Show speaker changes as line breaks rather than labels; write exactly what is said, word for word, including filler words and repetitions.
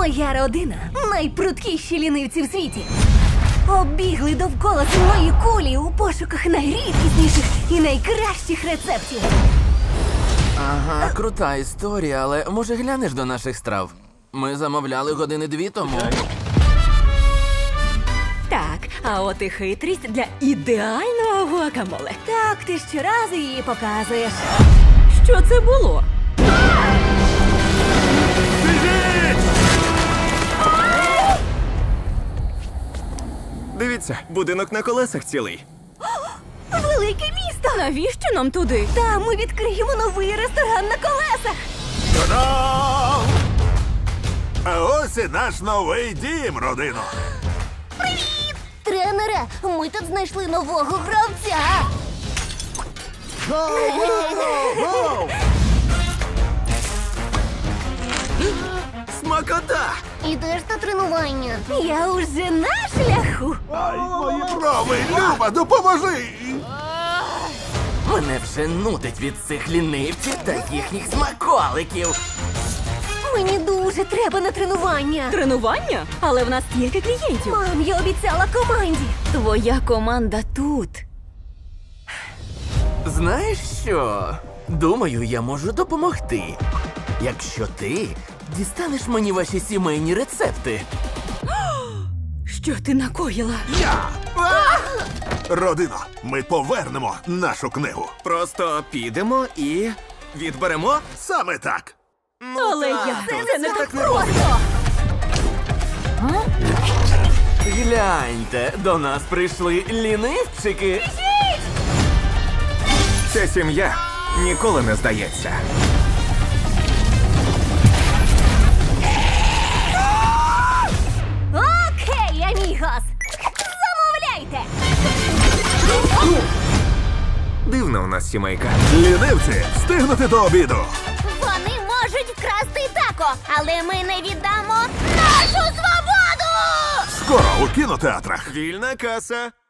Моя родина найпруткіші лінивці в світі. Оббігли довкола земної кулі у пошуках найрідкісніших і найкращих рецептів.
Ага, крута історія, але може глянеш до наших страв? Ми замовляли години дві тому.
Так, а от і хитрість для ідеального гуакамоле.
Так, ти щоразу її показуєш.
Що це було?
Дивіться, будинок на колесах цілий.
Велике місто!
Навіщо нам туди?
Там ми відкриємо новий ресторан на колесах.
Та-дам! А ось і наш новий дім, родино.
Тренере, ми тут знайшли нового гравця.
Смакота!
Ідеш на тренування. Я уже на шляху.
Ай, мої брови, Люба, допоможи!
Мене вже нудить від цих лінивців та їхніх смаколиків.
Мені дуже треба на тренування.
Тренування? Але в нас стільки клієнтів.
Мам, я обіцяла команді.
Твоя команда тут.
Знаєш що? Думаю, я можу допомогти. Якщо ти дістанеш мені ваші сімейні рецепти.
Що ти накоїла?
Я! Родино, ми повернемо нашу книгу.
Просто підемо і відберемо.
Саме так.
Але я це не так
Просто!
Гляньте, до нас прийшли лінивчики.
Ця сім'я ніколи не здається.
Окей, амігос. Замовляйте.
Дивна у нас сімейка.
Лінивці, встигнути до обіду.
Вони можуть вкрасти тако, але ми не віддамо нашу свободу!
Скоро у кінотеатрах.
Вільна каса.